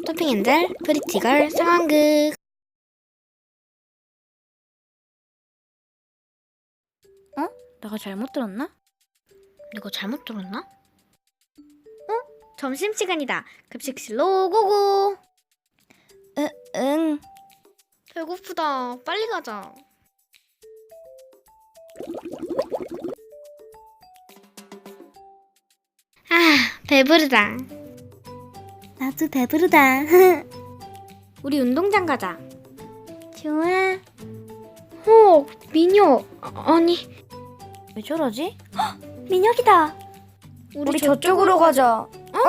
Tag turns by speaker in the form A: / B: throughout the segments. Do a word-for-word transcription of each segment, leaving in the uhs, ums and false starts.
A: 토핑엔젤 프리티걸 상황극.
B: 어? 내가 잘못 들었나?
A: 이거 잘못 들었나? 어? 점심시간이다. 급식실로 고고.
B: 으, 응.
A: 배고프다. 빨리 가자. 아, 배부르다.
B: 나도 배부르다.
A: 우리 운동장 가자.
B: 좋아.
A: 어, 민혁. 아, 아니,
B: 왜 저러지? 헉, 민혁이다.
A: 우리,
B: 우리 저쪽으로 가자.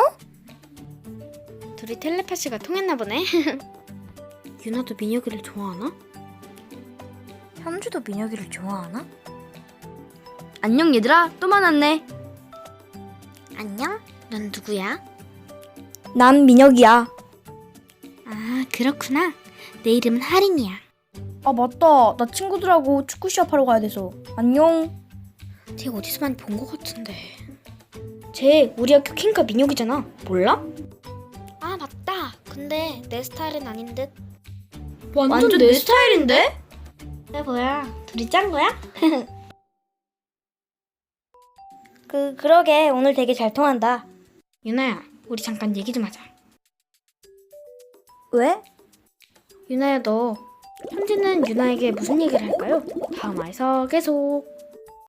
A: 둘이 텔레파시가 통했나 보네. 유나도 민혁이를 좋아하나?
B: 현주도 민혁이를 좋아하나? 안녕 얘들아, 또 만났네.
A: 안녕? 넌 누구야?
B: 난 민혁이야.
A: 아, 그렇구나. 내 이름은 하린이야.
B: 아 맞다, 나 친구들하고 축구 시합하러 가야 돼서. 안녕.
A: 쟤 어디서 많이 본 것 같은데. 쟤 우리 학교 킹카 민혁이잖아. 몰라? 아, 맞다. 근데 내 스타일은 아닌 듯.
B: 완전, 완전 내 스타일인데?
A: 야, 뭐야? 둘이 짠 거야?
B: 그 그러게 오늘 되게 잘 통한다.
A: 유나야, 우리 잠깐 얘기 좀 하자.
B: 왜?
A: 유나야, 너 현지는 유나에게 무슨 얘기를 할까요? 다음 화에서 계속.